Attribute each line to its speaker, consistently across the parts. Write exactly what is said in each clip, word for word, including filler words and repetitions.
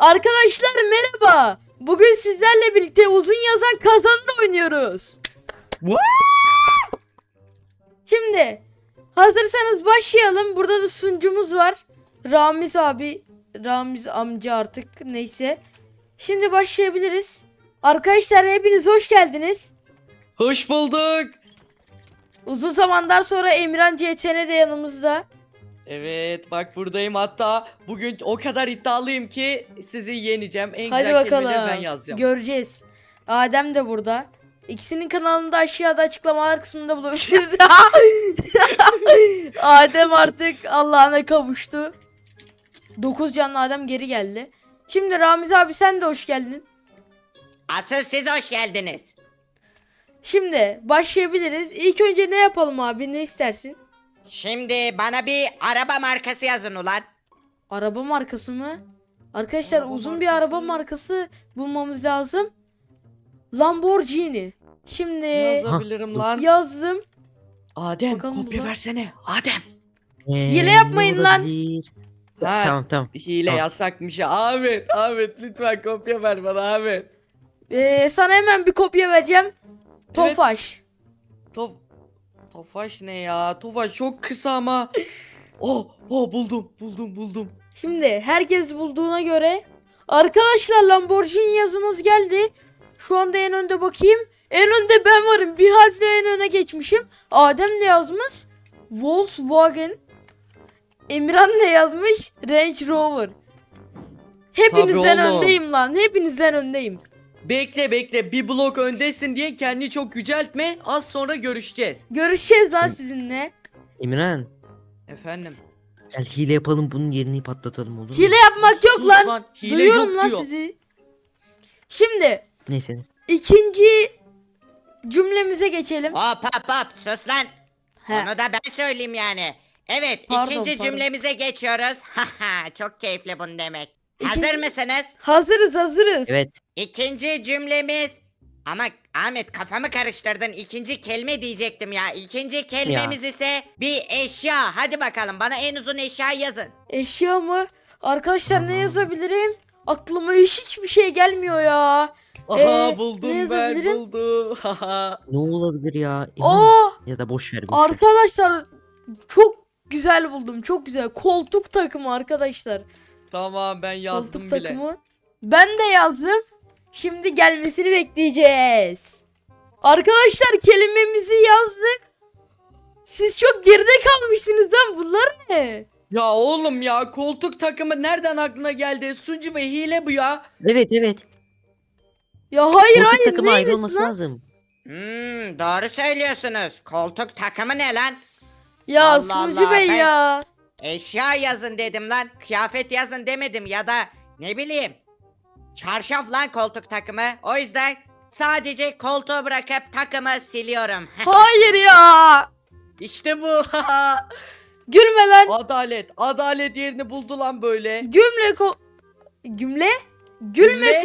Speaker 1: Arkadaşlar merhaba. Bugün sizlerle birlikte uzun yazan kazanır oynuyoruz. Şimdi hazırsanız başlayalım. Burada da sunucumuz var. Ramiz abi, Ramiz amca artık neyse. Şimdi başlayabiliriz. Arkadaşlar hepiniz hoş geldiniz.
Speaker 2: Hoş bulduk.
Speaker 1: Uzun zamandan sonra Emirhan C T N de yanımızda.
Speaker 2: Evet bak buradayım, hatta bugün o kadar iddialıyım ki sizi yeneceğim. En
Speaker 1: Hadi
Speaker 2: güzel kelimeleri ben
Speaker 1: bakalım.
Speaker 2: yazacağım.
Speaker 1: Göreceğiz. Adem de burada. İkisinin kanalını da aşağıda açıklamalar kısmında bulabilirsiniz. Adem artık Allah'ına kavuştu. dokuz canlı Adem geri geldi. Şimdi Ramiz abi sen de hoş geldin.
Speaker 3: Asıl siz hoş geldiniz.
Speaker 1: Şimdi başlayabiliriz. İlk önce ne yapalım abi, ne istersin?
Speaker 3: Şimdi bana bir araba markası yazın ulan.
Speaker 1: Araba markası mı? Arkadaşlar
Speaker 2: Araba
Speaker 1: uzun bir
Speaker 2: markası.
Speaker 1: araba markası bulmamız lazım. Lamborghini. Şimdi
Speaker 2: Ne yazabilirim lan?
Speaker 1: yazdım.
Speaker 2: Adem
Speaker 1: Bakalım
Speaker 2: kopya
Speaker 1: buna.
Speaker 2: versene. Adem.
Speaker 1: Ee, Hile yapmayın
Speaker 4: ne
Speaker 1: lan.
Speaker 4: olabilir?
Speaker 2: Ha,
Speaker 4: Tamam tamam.
Speaker 2: Hile
Speaker 4: Tamam.
Speaker 2: yasakmış ya. Ahmet, Ahmet lütfen kopya ver bana Ahmet.
Speaker 1: Ee, sana hemen bir kopya vereceğim. Tofaş.
Speaker 2: Tof Tofaş ne ya? Tofaş çok kısa ama. Oh, oh buldum, buldum, buldum.
Speaker 1: Şimdi herkes bulduğuna göre arkadaşlar Lamborghini yazımız geldi. Şu anda en önde bakayım. En önde ben varım. Bir harfle en öne geçmişim. Adem de yazmış Volkswagen. Emirhan ne yazmış? Range Rover. Hepinizden
Speaker 2: Tabii oğlum.
Speaker 1: öndeyim lan. Hepinizden öndeyim.
Speaker 2: Bekle bekle, bir blok öndesin diye kendini çok yüceltme. Az sonra görüşeceğiz.
Speaker 1: Görüşeceğiz lan sizinle.
Speaker 4: Emirhan,
Speaker 2: Efendim.
Speaker 4: gel hile yapalım, bunun yerini patlatalım, olur mu?
Speaker 1: Hile yapmak yok
Speaker 2: Sus
Speaker 1: lan.
Speaker 2: lan, hile
Speaker 1: Duyuyorum
Speaker 2: yok
Speaker 1: lan
Speaker 2: diyor.
Speaker 1: sizi. Şimdi
Speaker 4: Neyse.
Speaker 1: ikinci cümlemize geçelim.
Speaker 3: Hop hop hop sus lan.
Speaker 1: He.
Speaker 3: Onu da ben söyleyeyim yani. Evet
Speaker 1: Pardon,
Speaker 3: ikinci
Speaker 1: pardon.
Speaker 3: cümlemize geçiyoruz. Haha çok keyifli bunu demek.
Speaker 1: İkinci-
Speaker 3: Hazır mısınız?
Speaker 1: Hazırız hazırız.
Speaker 4: Evet.
Speaker 3: İkinci cümlemiz. Ama Ahmet kafamı karıştırdın. İkinci kelime diyecektim ya. İkinci kelimemiz ise bir eşya. Hadi bakalım bana en uzun eşya yazın.
Speaker 1: Eşya mı? Arkadaşlar ne
Speaker 4: Tamam.
Speaker 1: yazabilirim? Aklıma hiç hiçbir şey gelmiyor ya.
Speaker 2: Aha
Speaker 1: Ee,
Speaker 2: buldum
Speaker 1: ne
Speaker 2: ben
Speaker 1: yazabilirim?
Speaker 2: buldum. Haha.
Speaker 4: Ne olabilir ya? Emirhan,
Speaker 1: Oo!
Speaker 4: ya da boş ver. Boş ver.
Speaker 1: Arkadaşlar çok güzel buldum. Çok güzel. Koltuk takımı arkadaşlar.
Speaker 2: Tamam ben yazdım
Speaker 1: Koltuk
Speaker 2: bile.
Speaker 1: takımı. Ben de yazdım. Şimdi gelmesini bekleyeceğiz. Arkadaşlar kelimemizi yazdık. Siz çok geride kalmışsınız lan. Bunlar ne?
Speaker 2: Ya oğlum ya, koltuk takımı nereden aklına geldi? Suncu Bey hile bu ya.
Speaker 4: Evet evet.
Speaker 1: Ya hayır
Speaker 4: Koltuk
Speaker 1: hayır.
Speaker 4: takımı ayrı
Speaker 1: Neymiş
Speaker 4: olması
Speaker 1: lan?
Speaker 4: lazım.
Speaker 3: Hmm, doğru söylüyorsunuz. Koltuk takımı ne lan?
Speaker 1: Ya
Speaker 3: Allah
Speaker 1: sunucu
Speaker 3: Allah,
Speaker 1: bey
Speaker 3: ben-
Speaker 1: ya.
Speaker 3: Eşya yazın dedim lan. Kıyafet yazın demedim ya da ne bileyim. Çarşaf lan koltuk takımı. O yüzden sadece koltuğu bırakıp takımı siliyorum.
Speaker 1: Hayır ya.
Speaker 2: İşte bu.
Speaker 1: Gülme lan.
Speaker 2: Adalet. Adalet yerini buldu lan böyle.
Speaker 1: Gülme ko... Gümle? Gülme
Speaker 2: Gümle?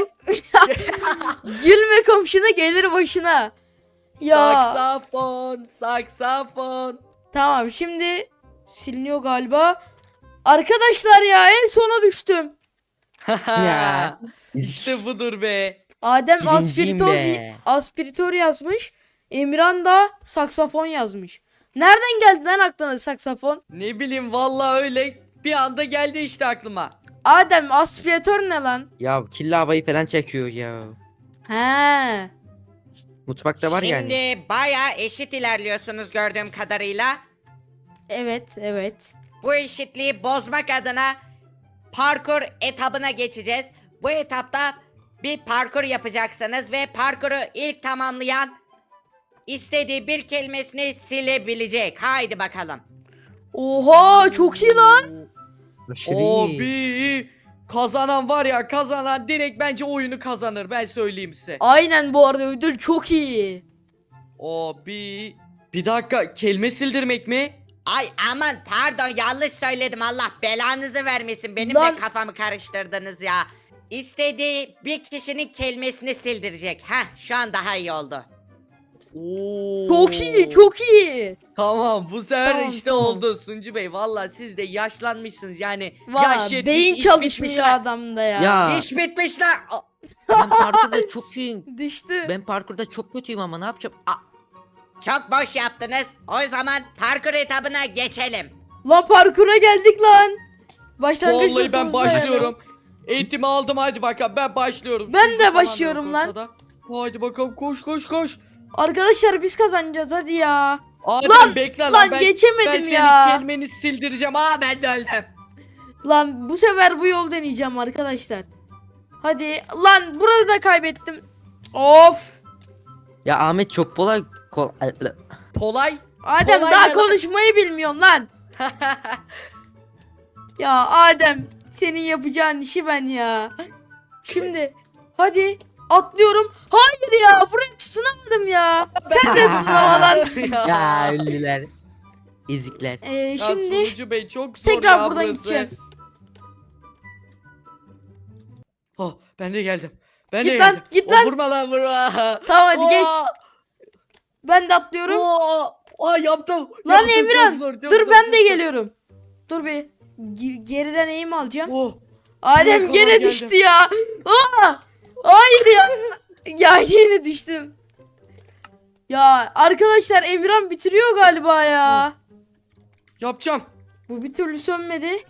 Speaker 1: ko- Gülme komşuna gelir başına. Ya
Speaker 2: Saksafon. Saksafon.
Speaker 1: tamam şimdi siliniyor galiba. Arkadaşlar ya en sona düştüm.
Speaker 4: Ya.
Speaker 2: İşte budur be.
Speaker 1: Adem
Speaker 4: Birinciyim
Speaker 1: aspiritör,
Speaker 4: be.
Speaker 1: aspiritör yazmış. Emirhan da saksafon yazmış. Nereden geldi lan aklına saksafon?
Speaker 2: Ne bileyim vallahi öyle bir anda geldi işte aklıma.
Speaker 1: Adem aspiratör ne lan?
Speaker 4: Ya kirli havayı falan çekiyor ya.
Speaker 1: He.
Speaker 4: Mutfakta var
Speaker 3: Şimdi
Speaker 4: yani.
Speaker 3: baya eşit ilerliyorsunuz gördüğüm kadarıyla.
Speaker 1: Evet evet.
Speaker 3: Bu eşitliği bozmak adına parkur etabına geçeceğiz. Bu etapta bir parkur yapacaksınız ve parkuru ilk tamamlayan istediği bir kelimesini silebilecek. Haydi bakalım.
Speaker 1: Oha çok iyi lan.
Speaker 4: Aşırı iyi.
Speaker 2: Abi kazanan var ya, kazanan direkt bence oyunu kazanır, ben söyleyeyim size.
Speaker 1: Aynen bu arada ödül çok iyi.
Speaker 2: Abi bir dakika, kelime sildirmek mi?
Speaker 3: Ay aman pardon yanlış söyledim, Allah belanızı vermesin, benim
Speaker 1: Lan-
Speaker 3: de kafamı karıştırdınız ya. İstediği bir kişinin kelimesini sildirecek. Heh şu an daha iyi oldu.
Speaker 2: Oo.
Speaker 1: Çok iyi, çok iyi.
Speaker 2: Tamam bu sefer
Speaker 1: Tamam,
Speaker 2: işte
Speaker 1: tamam.
Speaker 2: oldu Suncu Bey. Valla siz de yaşlanmışsınız yani.
Speaker 1: Valla
Speaker 2: yaş yetmiş,
Speaker 1: beyin
Speaker 2: iş
Speaker 1: çalışmıyor
Speaker 2: bitmiş lan.
Speaker 1: adamda ya.
Speaker 4: Ya
Speaker 3: İş bitmiş lan. Aa,
Speaker 4: ben parkurda çok iyiyim.
Speaker 1: Düştü.
Speaker 4: Ben parkurda çok kötüyüm ama ne yapacağım? Aa,
Speaker 3: Çok boş yaptınız. O zaman parkur etabına geçelim.
Speaker 1: Lan parkura geldik lan. Başlangıç
Speaker 2: Vallahi ben
Speaker 1: noktamıza yani.
Speaker 2: başlıyorum. Eğitimi aldım hadi bakalım ben başlıyorum.
Speaker 1: Ben
Speaker 2: Suncu
Speaker 1: de
Speaker 2: falan da
Speaker 1: başlıyorum
Speaker 2: yok
Speaker 1: lan.
Speaker 2: ortada. Hadi bakalım koş koş koş.
Speaker 1: Arkadaşlar biz kazanacağız hadi ya.
Speaker 2: Adem
Speaker 1: Lan,
Speaker 2: bekle lan,
Speaker 1: lan
Speaker 2: ben,
Speaker 1: geçemedim
Speaker 2: ben senin
Speaker 1: ya.
Speaker 2: kelimeni sildireceğim. Aa ben de öldüm.
Speaker 1: Lan bu sefer bu yol deneyeceğim arkadaşlar. Hadi lan burada da kaybettim. Of.
Speaker 4: ya Ahmet çok kolay. Kol
Speaker 2: Polay.
Speaker 1: Adem
Speaker 2: Kolay
Speaker 1: daha
Speaker 2: gelsin.
Speaker 1: konuşmayı bilmiyorsun lan. Ya Adem senin yapacağın işi ben ya. Şimdi hadi atlıyorum. Hayır ya buraya tutunamadım ya. Sen de tutunama lan.
Speaker 4: ya ünlüler. Ezikler.
Speaker 1: Ee,
Speaker 2: Ya
Speaker 1: şimdi
Speaker 2: Sunucu Bey çok zor
Speaker 1: tekrar
Speaker 2: ya
Speaker 1: buradan
Speaker 2: burası.
Speaker 1: gideceğim.
Speaker 2: Oh ben de geldim. Ben
Speaker 1: Git
Speaker 2: de
Speaker 1: lan,
Speaker 2: geldim.
Speaker 1: git
Speaker 2: Oh,
Speaker 1: lan.
Speaker 2: vurma lan vurma.
Speaker 1: Tamam hadi geç.
Speaker 2: Oo,
Speaker 1: Ben de atlıyorum.
Speaker 2: oo, Aa yaptım.
Speaker 1: Lan
Speaker 2: Yaptım, çok
Speaker 1: Emirhan,
Speaker 2: zor, çok
Speaker 1: dur
Speaker 2: zor,
Speaker 1: ben
Speaker 2: çok
Speaker 1: de
Speaker 2: zor.
Speaker 1: geliyorum. Dur bir Ge- geriden eğim alacağım.
Speaker 2: Oh.
Speaker 1: Adem
Speaker 2: kadar
Speaker 1: gene
Speaker 2: geldim.
Speaker 1: düştü ya. Aa! Hayır ya. Ya yine düştüm. Ya arkadaşlar Emirhan bitiriyor galiba ya.
Speaker 2: Yapacağım.
Speaker 1: Bu bir türlü sönmedi.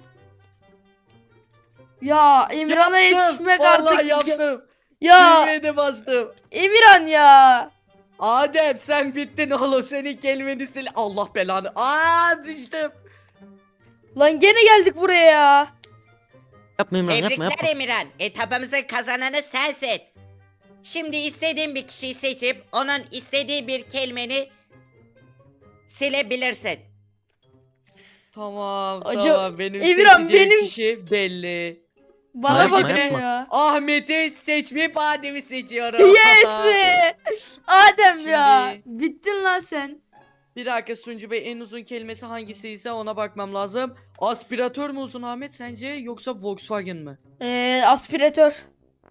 Speaker 1: Ya Emirhan'a
Speaker 2: Yaptım.
Speaker 1: yetişmek
Speaker 2: Vallahi
Speaker 1: artık.
Speaker 2: yaptım.
Speaker 1: Ya
Speaker 2: Düğmeye de bastım.
Speaker 1: Emirhan ya.
Speaker 2: Adem sen bittin oğlum senin kelimeni sil. Allah belanı. Aa düştüm.
Speaker 1: Lan gene geldik buraya ya.
Speaker 4: Yapma İmran yapma
Speaker 3: Tebrikler
Speaker 4: yapma.
Speaker 3: Emirhan. Etabımızın kazananı sensin. Şimdi istediğin bir kişiyi seçip onun istediği bir kelimeni silebilirsin.
Speaker 2: Tamam
Speaker 1: Acı-
Speaker 2: tamam benim
Speaker 1: Emirhan,
Speaker 2: seçeceğim
Speaker 1: benim-
Speaker 2: kişi belli.
Speaker 1: Bana
Speaker 4: Yapma,
Speaker 1: bakın
Speaker 4: yapma.
Speaker 1: ya.
Speaker 2: Ahmet'i seçmeyip Adem'i seçiyorum.
Speaker 1: Yes be. Adem ya.
Speaker 2: Şimdi-
Speaker 1: Bittin lan sen.
Speaker 2: Bir dakika Suncu Bey en uzun kelimesi hangisi ise ona bakmam lazım. Aspiratör mü uzun Ahmet sence yoksa Volkswagen mi?
Speaker 1: Ee, aspiratör.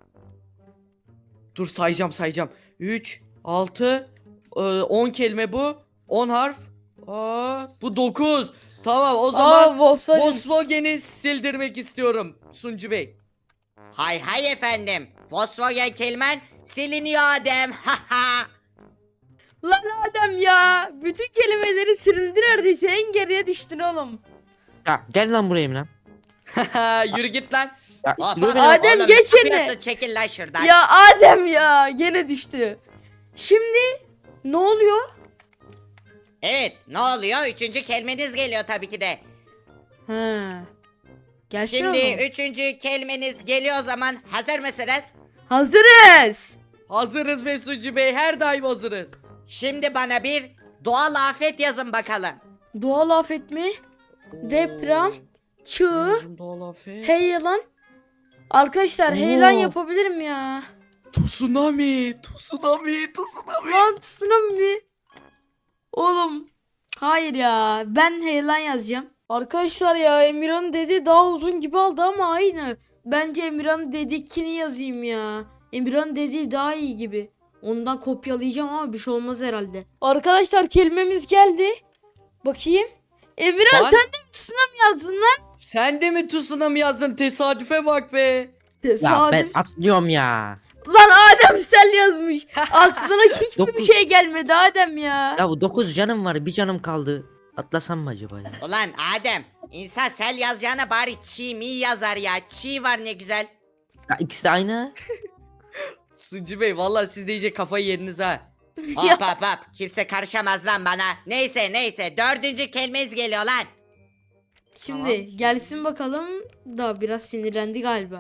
Speaker 2: Dur sayacağım sayacağım. üç, altı, on kelime bu. on harf. Aa, bu dokuz. Tamam o zaman
Speaker 1: Aa Volkswagen.
Speaker 2: Volkswagen'i sildirmek istiyorum Suncu Bey.
Speaker 3: Hay hay efendim. Volkswagen kelimen siliniyor Adem. Haha.
Speaker 1: Lan Adem ya. Bütün kelimeleri silindi neredeyse. En geriye düştün oğlum.
Speaker 4: Ya gel lan buraya İmran.
Speaker 2: Yürü git lan.
Speaker 4: Ya,
Speaker 3: Hop,
Speaker 4: dur
Speaker 3: hop,
Speaker 4: beni-
Speaker 1: Adem,
Speaker 3: oğlum,
Speaker 1: geç
Speaker 3: ne
Speaker 1: yerine.
Speaker 3: yapıyorsun? Çekil lan şuradan.
Speaker 1: Ya Adem ya. Gene düştü. Şimdi ne oluyor?
Speaker 3: Evet, ne oluyor? Üçüncü kelimeniz geliyor tabii ki de.
Speaker 1: Ha. Gelsin
Speaker 3: Şimdi
Speaker 1: oğlum.
Speaker 3: üçüncü kelimeniz geliyor o zaman. Hazır mısınız?
Speaker 1: Hazırız.
Speaker 2: Hazırız be Suncu Bey her daim hazırız.
Speaker 3: Şimdi bana bir doğal afet yazın bakalım.
Speaker 1: Doğal afet mi? Deprem. Çığ.
Speaker 2: Uzun doğal afet.
Speaker 1: Heyelan. Arkadaşlar heyelan
Speaker 2: Oo.
Speaker 1: yapabilirim ya.
Speaker 2: Tsunami, tsunami, tsunami.
Speaker 1: Lan tsunami. Oğlum. Hayır ya. Ben heyelan yazacağım. Arkadaşlar ya Emirhan dedi daha uzun gibi aldı ama aynı. Bence Emirhan dedikini yazayım ya. Emirhan dediği daha iyi gibi. Ondan kopyalayacağım ama bir şey olmaz herhalde. Arkadaşlar kelimemiz geldi. Bakayım. Emirhan
Speaker 2: Lan.
Speaker 1: sen de mi tsunami yazdın lan?
Speaker 2: Sen de mi tsunami yazdın? Tesadüfe bak be.
Speaker 4: Ya ben
Speaker 1: Tesadüf.
Speaker 4: atlıyorum ya.
Speaker 1: Lan Adem sen yazmış. Aklına hiçbir bir
Speaker 4: Dokuz.
Speaker 1: şey gelmedi Adem ya.
Speaker 4: Ya bu dokuz canım var bir canım kaldı. Atlasam mı acaba ya?
Speaker 3: Ulan Adem, insan sel yazacağına bari çiğ mi yazar ya. Çiğ var ne güzel.
Speaker 4: Ya ikisi de aynı.
Speaker 2: Suncu Bey vallahi siz de iyice kafayı yediniz ha.
Speaker 3: Hop hop hop. Kimse karışamaz lan bana. Neyse neyse. Dördüncü kelimeniz geliyor lan.
Speaker 1: Şimdi
Speaker 2: Tamam.
Speaker 1: gelsin bakalım. Da biraz sinirlendi galiba.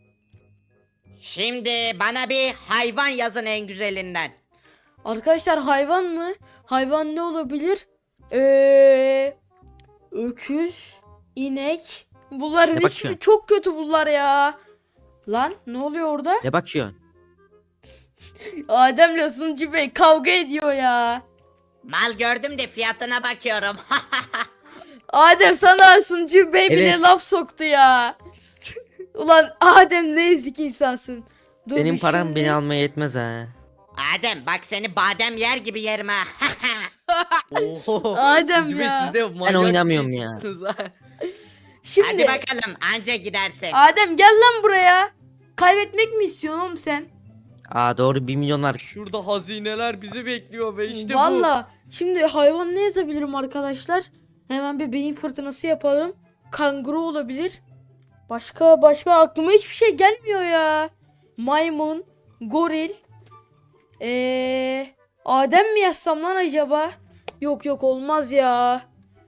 Speaker 3: Şimdi bana bir hayvan yazın en güzelinden.
Speaker 1: Arkadaşlar hayvan mı? Hayvan ne olabilir? Eee öküz, inek. Bunların
Speaker 4: Ne
Speaker 1: ismi
Speaker 4: bakıyorsun?
Speaker 1: çok kötü bunlar ya. Lan ne oluyor orada?
Speaker 4: Ne bakıyorsun?
Speaker 1: Adem'le Suncu Bey kavga ediyor ya.
Speaker 3: Mal gördüm de fiyatına bakıyorum.
Speaker 1: Adem sana Suncu Bey bile
Speaker 4: Evet.
Speaker 1: laf soktu ya. Ulan Adem ne ezik insansın. Dur
Speaker 4: Benim
Speaker 1: bir
Speaker 4: param
Speaker 1: şimdi-
Speaker 4: beni almaya yetmez ha.
Speaker 3: Adem bak seni badem yer gibi yerim ha.
Speaker 2: Oho.
Speaker 1: Adem
Speaker 2: Sucu Bey,
Speaker 1: ya.
Speaker 2: siz de manyak bir
Speaker 4: oynamıyorum
Speaker 2: şey
Speaker 4: ya.
Speaker 2: çıktınız ha.
Speaker 1: Şimdi
Speaker 3: Hadi bakalım anca gidersin.
Speaker 1: Adem gel lan buraya. Kaybetmek mi istiyorsun oğlum sen?
Speaker 4: Aa doğru bir milyonlar.
Speaker 2: Şurada hazineler bizi bekliyor ve işte bu.
Speaker 1: Valla. Şimdi hayvan ne yazabilirim arkadaşlar? Hemen bir beyin fırtınası yapalım. Kanguru olabilir. Başka başka aklıma hiçbir şey gelmiyor ya. Maymun, goril. Ee, Adem mi yazsam lan acaba? Yok yok olmaz ya.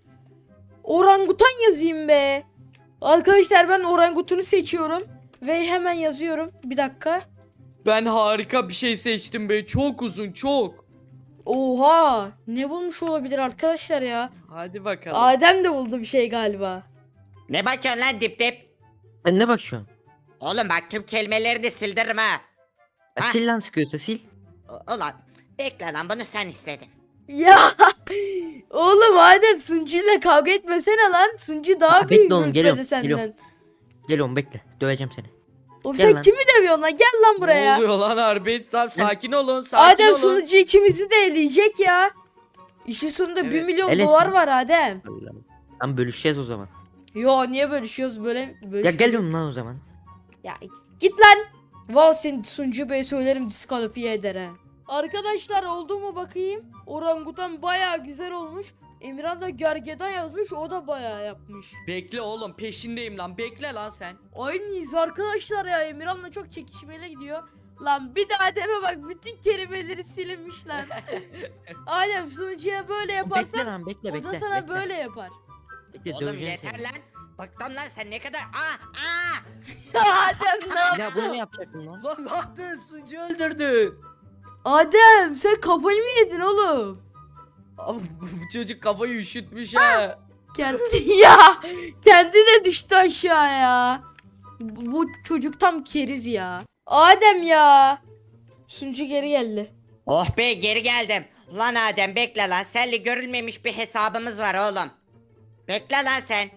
Speaker 1: Orangutan yazayım be. Arkadaşlar ben orangutunu seçiyorum. Ve hemen yazıyorum. Bir dakika.
Speaker 2: Ben harika bir şey seçtim be. Çok uzun, çok.
Speaker 1: Oha. Ne bulmuş olabilir arkadaşlar ya?
Speaker 2: Hadi bakalım.
Speaker 1: Adem de buldu bir şey galiba.
Speaker 3: Ne bakıyorsun lan dip dip?
Speaker 4: Sen ne bakıyorsun?
Speaker 3: Oğlum bak tüm kelimeleri de sildiririm ha.
Speaker 4: Ya
Speaker 3: Ha?
Speaker 4: sil lan sıkıyorsa sil.
Speaker 3: U- Ulan bekle lan bunu sen istedin.
Speaker 1: Ya oğlum Adem Sunucu'yla kavga etmesene lan. Sunucu daha
Speaker 4: Aa,
Speaker 1: büyük
Speaker 4: bekle oğlum,
Speaker 1: rütbede
Speaker 4: geliyorum,
Speaker 1: senden.
Speaker 4: geliyorum. Gel oğlum bekle. Döveceğim seni.
Speaker 1: Oğlum
Speaker 4: Gel
Speaker 1: sen
Speaker 4: lan.
Speaker 1: kimi dövüyorsun lan? Gel lan
Speaker 2: Ne
Speaker 1: buraya.
Speaker 2: oluyor lan harbi? Tamam sakin olun, sakin
Speaker 1: Adem
Speaker 2: olun.
Speaker 1: sunucu ikimizi de eleyecek ya. İşin sonunda bir
Speaker 2: Evet.
Speaker 1: milyon
Speaker 4: Elesin.
Speaker 1: dolar var Adem.
Speaker 4: Tamam bölüşeceğiz o zaman.
Speaker 1: Yo niye bölüşüyoruz böyle?
Speaker 4: Ya
Speaker 1: bölüşüyoruz?
Speaker 4: gel oğlum lan o zaman.
Speaker 1: Ya git lan. Val seni sunucu bey söylerim diskalifiye eder ha. Arkadaşlar oldu mu bakayım? Orangutan baya güzel olmuş. Emirhan da gergedan yazmış, o da baya yapmış.
Speaker 2: Bekle oğlum, peşindeyim lan. Bekle lan sen.
Speaker 1: Aynıyız arkadaşlar ya, Emirhan'la çok çekişmeli gidiyor. Lan bir de Adem'e bak, bütün kelimeleri silinmiş lan. Adem sunucuya böyle
Speaker 4: Bekle
Speaker 1: yaparsan
Speaker 4: lan bekle
Speaker 1: o
Speaker 4: bekle.
Speaker 1: da sana
Speaker 4: bekle.
Speaker 1: böyle yapar.
Speaker 4: Bekle
Speaker 3: Oğlum
Speaker 4: döveceğim
Speaker 3: yeter
Speaker 4: seni.
Speaker 3: lan. Baktım lan sen ne kadar aa aa.
Speaker 1: Adem ne yaptın?
Speaker 4: Ya bunu mu yapacaktın lan?
Speaker 2: Lan ne yaptın? Sucu öldürdün.
Speaker 1: Adem sen kafayı mı yedin oğlum?
Speaker 2: Abi, bu çocuk kafayı üşütmüş ha.
Speaker 1: Kendi ya kendi de düştü aşağıya. Bu, bu çocuk tam keriz ya. Adem ya. Sunucu geri geldi.
Speaker 3: Oh be geri geldim. Lan Adem bekle lan. Seninle görülmemiş bir hesabımız var oğlum. Bekle lan sen.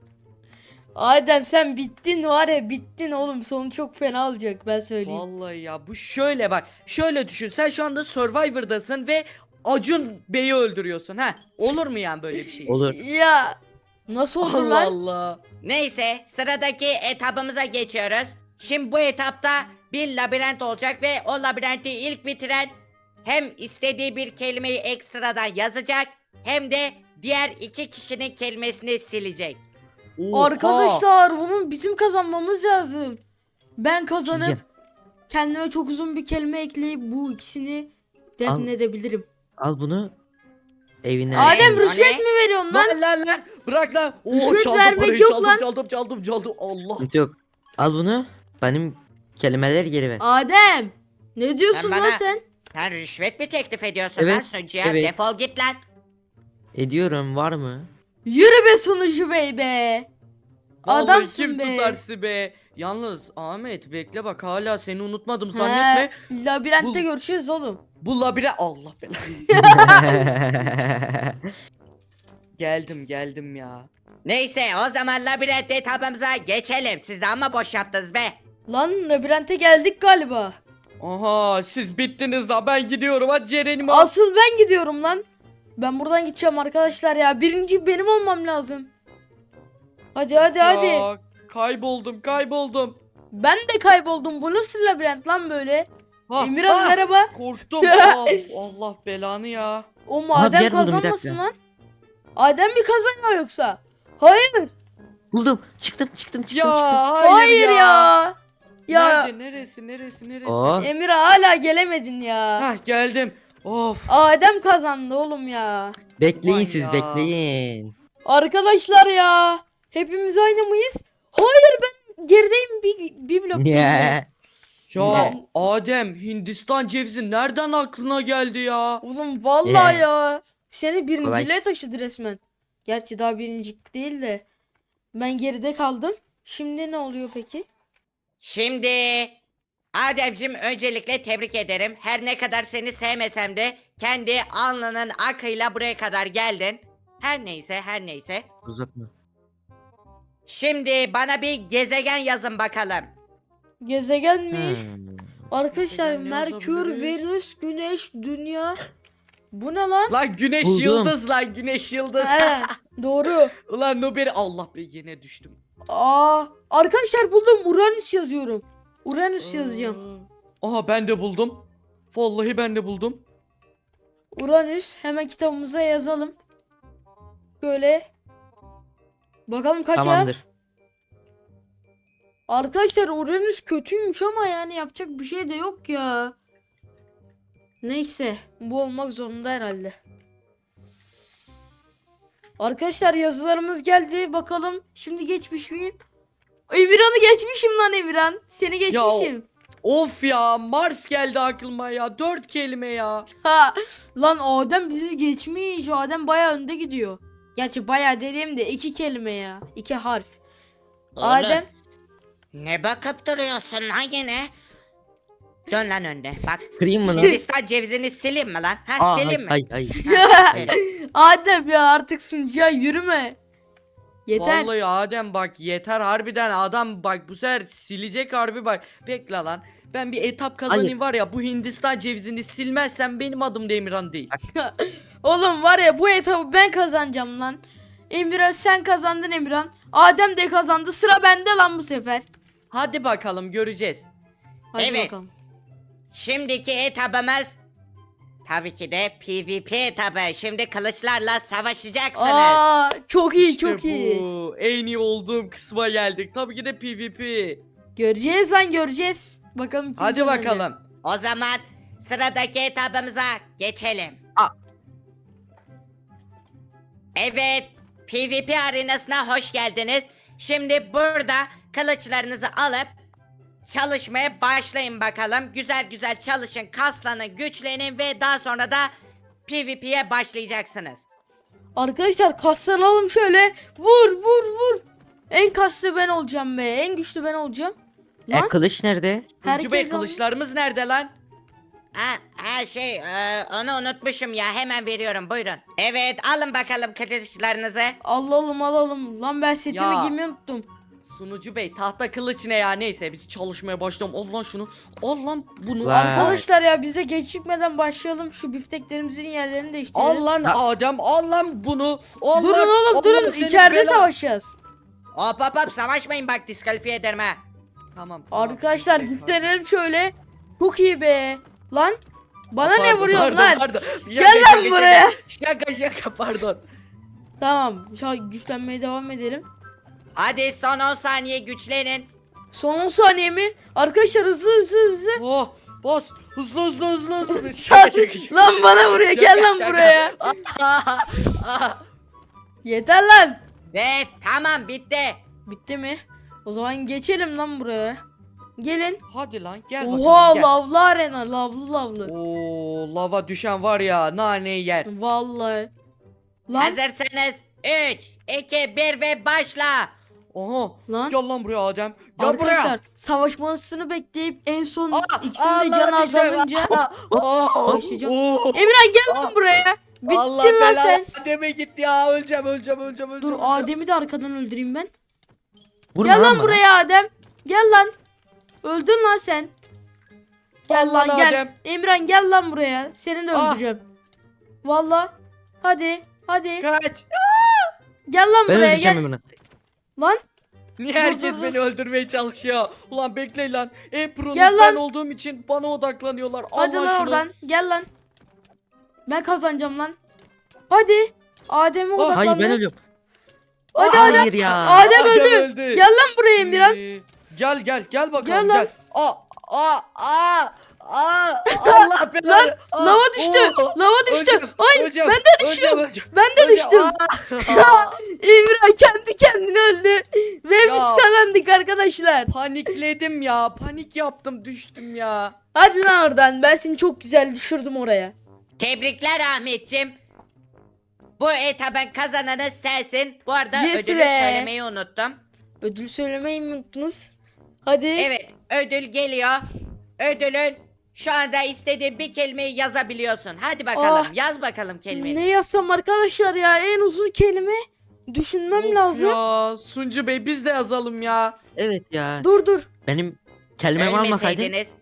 Speaker 1: Adem sen bittin var ya, bittin oğlum, sonu çok fena olacak ben söyleyeyim.
Speaker 2: Vallahi ya bu şöyle bak. Şöyle düşün. Sen şu anda Survivor'dasın ve Acun Bey'i öldürüyorsun ha. Olur mu yani böyle bir şey?
Speaker 4: Olur.
Speaker 1: Ya nasıl olur
Speaker 2: Allah
Speaker 1: lan?
Speaker 2: Allah.
Speaker 3: Neyse sıradaki etabımıza geçiyoruz. Şimdi bu etapta bir labirent olacak ve o labirenti ilk bitiren hem istediği bir kelimeyi ekstradan yazacak hem de diğer iki kişinin kelimesini silecek.
Speaker 2: Oha.
Speaker 1: Arkadaşlar bunun bizim kazanmamız lazım. Ben kazanıp
Speaker 4: Sileceğim.
Speaker 1: kendime çok uzun bir kelime ekleyip bu ikisini defnedebilirim.
Speaker 4: Al bunu evine.
Speaker 1: Adem
Speaker 3: o
Speaker 1: rüşvet
Speaker 3: ne?
Speaker 1: mi veriyorsun lan?
Speaker 2: Lan lan lan. Bırak lan. Oo,
Speaker 1: Rüşvet
Speaker 2: çaldım
Speaker 1: vermek
Speaker 2: parayı,
Speaker 1: yok
Speaker 2: çaldım,
Speaker 1: lan.
Speaker 2: Çaldım çaldım çaldım. Allah.
Speaker 4: Sıkıntı yok. Al bunu. Benim kelimeleri geri ver.
Speaker 1: Adem ne diyorsun
Speaker 3: Sen
Speaker 1: lan
Speaker 3: bana-
Speaker 1: sen?
Speaker 3: Sen rüşvet mi teklif ediyorsun
Speaker 4: Evet,
Speaker 3: lan sunucuya?
Speaker 4: evet.
Speaker 3: Defol git lan.
Speaker 4: Ediyorum var mı?
Speaker 1: Yürü be sunucu bey be.
Speaker 2: Vallahi
Speaker 1: Adamsın
Speaker 2: kim
Speaker 1: be.
Speaker 2: tutar sizi be. Yalnız Ahmet bekle bak, hala seni unutmadım zannetme.
Speaker 1: He, labirentte
Speaker 2: Bu-
Speaker 1: görüşürüz oğlum.
Speaker 2: Bu labire Allah belanı. Geldim geldim ya.
Speaker 3: Neyse o zaman labirent etabımıza geçelim. Siz de ama boş yaptınız be.
Speaker 1: Lan labirente geldik galiba.
Speaker 2: Aha siz bittiniz la, ben gidiyorum, hadi Ceren'imi al.
Speaker 1: Asıl ben gidiyorum lan. Ben buradan gideceğim arkadaşlar ya. Birinci benim olmam lazım. Hadi hadi hadi.
Speaker 2: Ya, kayboldum kayboldum.
Speaker 1: Ben de kayboldum. Bu nasıl labirent lan böyle?
Speaker 2: Ha,
Speaker 1: Emirhan
Speaker 2: ha,
Speaker 1: merhaba.
Speaker 2: korktum. Aa, Allah belanı ya.
Speaker 1: O
Speaker 4: Aha, bir
Speaker 1: maden
Speaker 4: yer buldum, bir
Speaker 1: kazanmasın
Speaker 4: dakika.
Speaker 1: lan. Adem mi kazanıyor yoksa? Hayır.
Speaker 4: Buldum. Çıktım çıktım çıktım.
Speaker 2: Ya
Speaker 4: çıktım.
Speaker 2: hayır,
Speaker 1: Hayır ya. Ya,
Speaker 2: Nerede, neresi neresi neresi?
Speaker 4: Oo.
Speaker 1: Emirhan hala gelemedin ya.
Speaker 2: Hah geldim. Of.
Speaker 1: Adem kazandı oğlum ya.
Speaker 4: Bekleyin
Speaker 2: Aman
Speaker 4: siz
Speaker 2: ya.
Speaker 4: bekleyin.
Speaker 1: Arkadaşlar ya. Hepimiz aynı mıyız? Hayır ben gerideyim, bir, bir blok gerideyim.
Speaker 4: Niye?
Speaker 2: Ya
Speaker 1: Ne?
Speaker 2: Adem, Hindistan cevizi nereden aklına geldi ya?
Speaker 1: Oğlum vallahi
Speaker 4: Yeah.
Speaker 1: ya. Seni birinciliğe
Speaker 4: Kolay.
Speaker 1: taşıdı resmen. Gerçi daha birincilik değil de. Ben geride kaldım. Şimdi ne oluyor peki?
Speaker 3: Şimdi Ademcim öncelikle tebrik ederim. Her ne kadar seni sevmesem de kendi alnının akıyla buraya kadar geldin. Her neyse her neyse.
Speaker 4: Uzatma.
Speaker 3: Şimdi bana bir gezegen yazın bakalım.
Speaker 1: Gezegen mi?
Speaker 4: Hmm.
Speaker 1: Arkadaşlar
Speaker 2: Gezegen ne
Speaker 1: Merkür,
Speaker 2: yazabiliriz?
Speaker 1: Venüs, Güneş, Dünya. Bu ne lan?
Speaker 2: Lan güneş
Speaker 4: Buldum.
Speaker 2: yıldız lan güneş yıldız.
Speaker 1: He, doğru.
Speaker 2: Ulan Nuberi Allah be yine düştüm.
Speaker 1: Aa, arkadaşlar buldum. Uranüs yazıyorum. Uranüs yazacağım.
Speaker 2: Aha ben de buldum. Vallahi ben de buldum.
Speaker 1: Uranüs. Hemen kitabımıza yazalım. Böyle. Bakalım kaç
Speaker 4: Tamamdır.
Speaker 1: harf? Arkadaşlar Uranüs kötüymüş ama yani yapacak bir şey de yok ya. Neyse. Bu olmak zorunda herhalde. Arkadaşlar yazılarımız geldi. Bakalım şimdi geçmiş miyim? Emirhan'ı geçmişim lan Emirhan. Seni geçmişim.
Speaker 2: Of ya Mars geldi aklıma ya. Dört kelime ya.
Speaker 1: Ha, lan Adem bizi geçmiş. Adem baya önde gidiyor. Gerçi baya dediğim de iki kelime ya. İki harf.
Speaker 3: Oğlum,
Speaker 1: Adem.
Speaker 3: Ne bakıp duruyorsun lan yine? Dön lan önde bak.
Speaker 4: Kırayım mı lan?
Speaker 3: Hindistan cevizini sileyim mi lan? Ha
Speaker 4: Aa,
Speaker 3: sileyim mi?
Speaker 4: hayır hayır.
Speaker 3: Ha, aferin.
Speaker 1: Adem ya artık sunucuya yürüme. Yeter.
Speaker 2: Vallahi Adem bak yeter harbiden adam bak bu sefer silecek harbi bak. Bekle lan. Ben bir etap kazanayım
Speaker 4: Hayır.
Speaker 2: var ya bu Hindistan cevizini silmezsem benim adım da Emirhan değil.
Speaker 1: Oğlum var ya bu etabı ben kazanacağım lan. Emirhan sen kazandın Emirhan. Adem de kazandı. Sıra bende lan bu sefer.
Speaker 2: Hadi bakalım göreceğiz.
Speaker 1: Hadi
Speaker 3: Evet.
Speaker 1: bakalım.
Speaker 3: Şimdiki etabımız tabii ki de PvP etabı. Şimdi kılıçlarla savaşacaksınız.
Speaker 1: Aa, çok iyi
Speaker 2: İşte
Speaker 1: çok iyi.
Speaker 2: bu. En iyi olduğum kısma geldik. Tabii ki de PvP.
Speaker 1: Göreceğiz lan göreceğiz. Bakalım kim
Speaker 2: Hadi
Speaker 1: kazanacak.
Speaker 2: bakalım.
Speaker 3: O zaman sıradaki etabımıza geçelim.
Speaker 4: Aa.
Speaker 3: Evet, PvP arenasına hoş geldiniz. Şimdi burada kılıçlarınızı alıp çalışmaya başlayın bakalım. Güzel güzel çalışın, kaslanın, güçlenin ve daha sonra da PvP'ye başlayacaksınız.
Speaker 1: Arkadaşlar kaslanalım şöyle. Vur vur vur. En kaslı ben olacağım be. En güçlü ben olacağım.
Speaker 4: E
Speaker 1: Lan
Speaker 4: kılıç nerede?
Speaker 2: Tuncu Bey
Speaker 1: herkes alın.
Speaker 2: kılıçlarımız nerede lan?
Speaker 3: Ha, ha şey, e, onu unutmuşum ya. Hemen veriyorum. Buyurun. Evet, alın bakalım kılıçlarınızı.
Speaker 1: Alalım alalım. Lan ben setimi
Speaker 2: Ya.
Speaker 1: giymeyi unuttum.
Speaker 2: Sunucu Bey tahta kılıç ne ya neyse biz çalışmaya başlayalım. Al lan şunu. Al lan bunu.
Speaker 4: Lan.
Speaker 1: Arkadaşlar ya bize gecikmeden başlayalım. Şu bifteklerimizin yerlerini değiştirelim.
Speaker 2: Al lan Adem al lan bunu. Al
Speaker 1: Durun
Speaker 2: lan.
Speaker 1: oğlum
Speaker 2: Allah
Speaker 1: durun.
Speaker 2: senin
Speaker 1: İçeride
Speaker 2: belanı-
Speaker 1: savaşacağız.
Speaker 3: Hop hop hop, savaşmayın bak, diskalifiye ederim ha.
Speaker 2: Tamam, tamam.
Speaker 1: Arkadaşlar
Speaker 2: Sunucu Bey,
Speaker 1: güçlenelim şöyle. Çok iyi be. Lan bana ne
Speaker 2: pardon,
Speaker 1: vuruyorsun
Speaker 2: pardon,
Speaker 1: lan?
Speaker 2: pardon.
Speaker 1: Gel
Speaker 2: Şaka,
Speaker 1: lan
Speaker 2: şaka,
Speaker 1: buraya.
Speaker 2: Şaka şaka pardon.
Speaker 1: Tamam. Şu an güçlenmeye devam edelim.
Speaker 3: Hadi son on saniye güçlenin.
Speaker 1: Son on saniye mi? Arkadaşlar hızlı hızlı hızlı.
Speaker 2: Oh bas hızlı hızlı hızlı hızlı.
Speaker 1: Lan,
Speaker 2: Şaka şaka şaka.
Speaker 1: lan bana vuruyor. Gel lan
Speaker 2: Şaka.
Speaker 1: buraya. Yeter lan.
Speaker 3: Ve tamam, bitti.
Speaker 1: Bitti mi? O zaman geçelim lan buraya. Gelin.
Speaker 2: Hadi lan gel
Speaker 1: Oha
Speaker 2: bakalım gel.
Speaker 1: lavlı arena. Lavlı lavlı.
Speaker 2: Oo lava düşen var ya naneyi yer.
Speaker 1: Vallahi. Lan
Speaker 3: Hazırsanız üç, iki, bir ve başla.
Speaker 2: Oha.
Speaker 1: Lan.
Speaker 2: Gel lan buraya Adem. Gel
Speaker 1: arkadaşlar
Speaker 2: buraya.
Speaker 1: savaşmasını bekleyip en son
Speaker 2: Aa,
Speaker 1: ikisinin
Speaker 2: aa,
Speaker 1: de
Speaker 2: lan
Speaker 1: canı
Speaker 2: düştüm.
Speaker 1: azalınca.
Speaker 2: Aa, aa,
Speaker 1: Başlayacağım.
Speaker 2: oo.
Speaker 1: Emirhan gel lan
Speaker 2: Aa.
Speaker 1: buraya. Bittin
Speaker 2: Allah
Speaker 1: lan
Speaker 2: belanı
Speaker 1: sen.
Speaker 2: Adem'e gitti ya öleceğim öleceğim öleceğim öleceğim.
Speaker 1: Dur
Speaker 2: öleceğim.
Speaker 1: Adem'i de arkadan öldüreyim ben.
Speaker 4: Vurma
Speaker 1: Gel lan
Speaker 4: bana.
Speaker 1: buraya Adem. Gel lan. Öldün lan sen. Gel
Speaker 2: Allah
Speaker 1: lan gel.
Speaker 2: Adem.
Speaker 1: Emirhan gel lan buraya. Seni de
Speaker 2: Ah.
Speaker 1: öldüreceğim. Valla. Hadi. Hadi.
Speaker 2: Kaç.
Speaker 1: Gel lan
Speaker 4: Ben
Speaker 1: buraya
Speaker 4: öldüreceğim
Speaker 1: gel.
Speaker 4: Emirhan'ı.
Speaker 1: Lan.
Speaker 2: Niye
Speaker 1: Dur,
Speaker 2: herkes
Speaker 1: dur, dur.
Speaker 2: beni öldürmeye çalışıyor? Ulan bekleyin lan. En pro'nuz
Speaker 1: Gel
Speaker 2: ben
Speaker 1: lan.
Speaker 2: olduğum için bana odaklanıyorlar.
Speaker 1: Hadi
Speaker 2: Allah
Speaker 1: lan
Speaker 2: şunu.
Speaker 1: oradan. Gel lan. Ben kazanacağım lan. Hadi. Adem'e
Speaker 2: Oh,
Speaker 1: odaklandı.
Speaker 4: Hayır ben ölüyorum.
Speaker 1: Hadi
Speaker 4: Hayır
Speaker 1: Adem.
Speaker 4: ya.
Speaker 1: Adem
Speaker 2: Adem
Speaker 1: öldü.
Speaker 2: öldü.
Speaker 1: Gel lan buraya Emirhan.
Speaker 2: Ee, Gel gel gel bakalım
Speaker 1: Gel
Speaker 2: gel.
Speaker 1: lan.
Speaker 2: Aa aa aa aa Allah belanı.
Speaker 1: Lan
Speaker 2: Aa,
Speaker 1: lava düştü.
Speaker 2: oo.
Speaker 1: Lava düştü.
Speaker 2: Öleceğim,
Speaker 1: Hayır
Speaker 2: öleceğim,
Speaker 1: ben de düştüm.
Speaker 2: öleceğim, öleceğim,
Speaker 1: Ben de
Speaker 2: öleceğim.
Speaker 1: düştüm.
Speaker 2: Aa,
Speaker 1: Emirhan kendi kendine öldü. Ve
Speaker 2: Ya.
Speaker 1: biz kazandık arkadaşlar.
Speaker 2: panikledim ya. Panik yaptım düştüm ya.
Speaker 1: Hadi lan oradan. Ben seni çok güzel düşürdüm oraya.
Speaker 3: Tebrikler Ahmetciğim. Bu etabın kazananı sensin. Bu arada
Speaker 1: Yes
Speaker 3: ödülü
Speaker 1: be.
Speaker 3: söylemeyi unuttum.
Speaker 1: Ödül söylemeyi mi unuttunuz? Hadi.
Speaker 3: Evet, ödül geliyor. Ödülün şu anda istediğin bir kelimeyi yazabiliyorsun. Hadi bakalım,
Speaker 1: Ah.
Speaker 3: yaz bakalım kelimeyi.
Speaker 1: Ne yazsam arkadaşlar ya? En uzun kelime düşünmem
Speaker 2: Of
Speaker 1: lazım.
Speaker 2: Ya Suncu Bey biz de yazalım ya.
Speaker 4: Evet ya.
Speaker 1: Dur dur.
Speaker 4: Benim kelimemi almasaydın
Speaker 3: Ölmeseydiniz.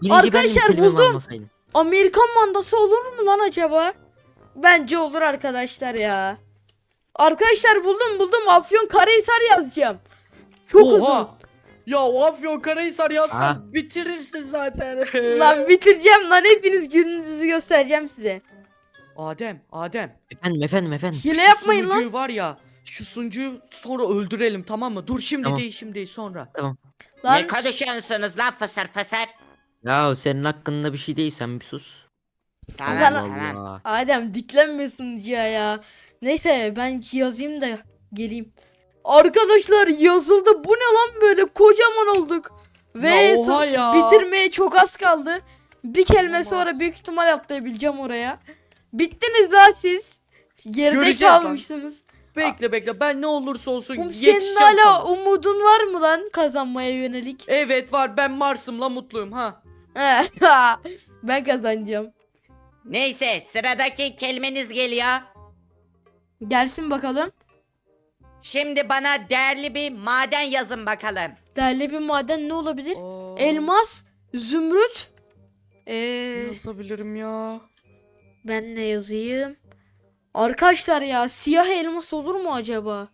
Speaker 4: Birinci
Speaker 1: Arkadaşlar,
Speaker 4: ben kelimemi
Speaker 1: buldum.
Speaker 4: almasaydım.
Speaker 1: Amerikan mandası olur mu lan acaba? Bence olur arkadaşlar ya. Arkadaşlar buldum buldum. Afyonkarahisar yazacağım. Çok uzun.
Speaker 2: Oha. Ya o Afyonkarahisar yazsan
Speaker 4: Aa.
Speaker 2: bitirirsin zaten.
Speaker 1: Lan bitireceğim lan, hepiniz gününüzü göstereceğim size.
Speaker 2: Adem, Adem.
Speaker 4: Efendim efendim efendim.
Speaker 1: Hile
Speaker 2: Şu
Speaker 1: yapmayın lan.
Speaker 2: sunucuyu var ya, şu sunucuyu sonra öldürelim, tamam mı? Dur şimdi
Speaker 4: Tamam.
Speaker 2: değil, şimdi değil, sonra.
Speaker 4: Tamam.
Speaker 1: Lan
Speaker 3: Ne konuşuyorsunuz lan fısır fısır?
Speaker 4: Ya senin hakkında bir şey değil, sen bir sus.
Speaker 3: Tamam
Speaker 1: Lan-
Speaker 3: tamam.
Speaker 4: Allah.
Speaker 1: Adem diklenme sunucuya ya. Neyse ben yazayım da geleyim. Arkadaşlar yazıldı. Bu ne lan, böyle kocaman olduk. Ve
Speaker 2: Ya oha
Speaker 1: son-
Speaker 2: ya.
Speaker 1: bitirmeye çok az kaldı. Bir kelime
Speaker 2: Olmaz.
Speaker 1: sonra büyük ihtimal atlayabileceğim oraya. Bittiniz lan siz. Geride
Speaker 2: Göreceğiz lan.
Speaker 1: kalmışsınız.
Speaker 2: Bekle bekle, ben ne olursa olsun
Speaker 1: Oğlum,
Speaker 2: yetişeceğim
Speaker 1: senin hala
Speaker 2: sana.
Speaker 1: umudun var mı lan kazanmaya yönelik?
Speaker 2: Evet var, ben Mars'ımla mutluyum ha.
Speaker 1: Ben kazanacağım.
Speaker 3: Neyse sıradaki kelimeniz geliyor.
Speaker 1: Gelsin bakalım.
Speaker 3: Şimdi bana değerli bir maden yazın bakalım.
Speaker 1: Değerli bir maden ne olabilir?
Speaker 2: Aa,
Speaker 1: Elmas, zümrüt. Ee,
Speaker 2: ne yazabilirim ya?
Speaker 1: ben ne yazayım? Arkadaşlar ya, siyah elmas olur mu acaba?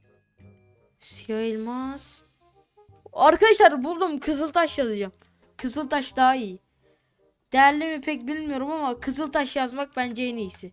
Speaker 1: Siyah elmas. Arkadaşlar buldum, kızıltaş yazacağım. Kızıltaş daha iyi. Değerli mi pek bilmiyorum ama kızıltaş yazmak bence en iyisi.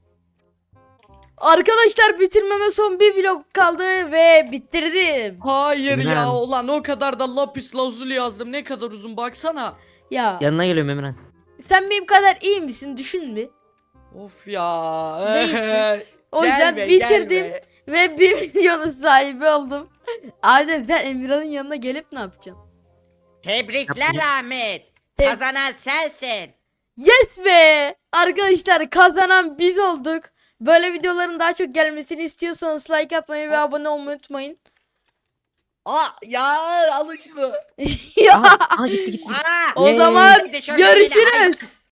Speaker 1: Arkadaşlar bitirmeme son bir blok kaldı ve bitirdim.
Speaker 2: Hayır
Speaker 4: Emre
Speaker 2: ya,
Speaker 4: abi.
Speaker 2: ulan o kadar da lapis lazuli yazdım, ne kadar uzun baksana.
Speaker 1: Ya
Speaker 4: Yanına geliyorum Emirhan.
Speaker 1: sen benim kadar iyi misin, düşün bir.
Speaker 2: Of ya.
Speaker 1: Neyse. O yüzden
Speaker 2: Gelme,
Speaker 1: bitirdim
Speaker 2: gelme.
Speaker 1: ve bir milyonun sahibi oldum. Adem sen Emirhan'ın yanına gelip ne yapacaksın?
Speaker 3: Tebrikler
Speaker 4: Yapma.
Speaker 3: Ahmet.
Speaker 1: Te-
Speaker 3: Kazanan sensin.
Speaker 1: Yes be! Arkadaşlar kazanan biz olduk. Böyle videoların daha çok gelmesini istiyorsanız like atmayı ve abone olmayı unutmayın.
Speaker 2: Aa ya, alın şunu.
Speaker 1: Ya,
Speaker 4: Aha, aha gitti gitti.
Speaker 3: Aa,
Speaker 1: o
Speaker 4: Yay.
Speaker 1: zaman
Speaker 3: Hadi şöyle beni-
Speaker 1: görüşürüz.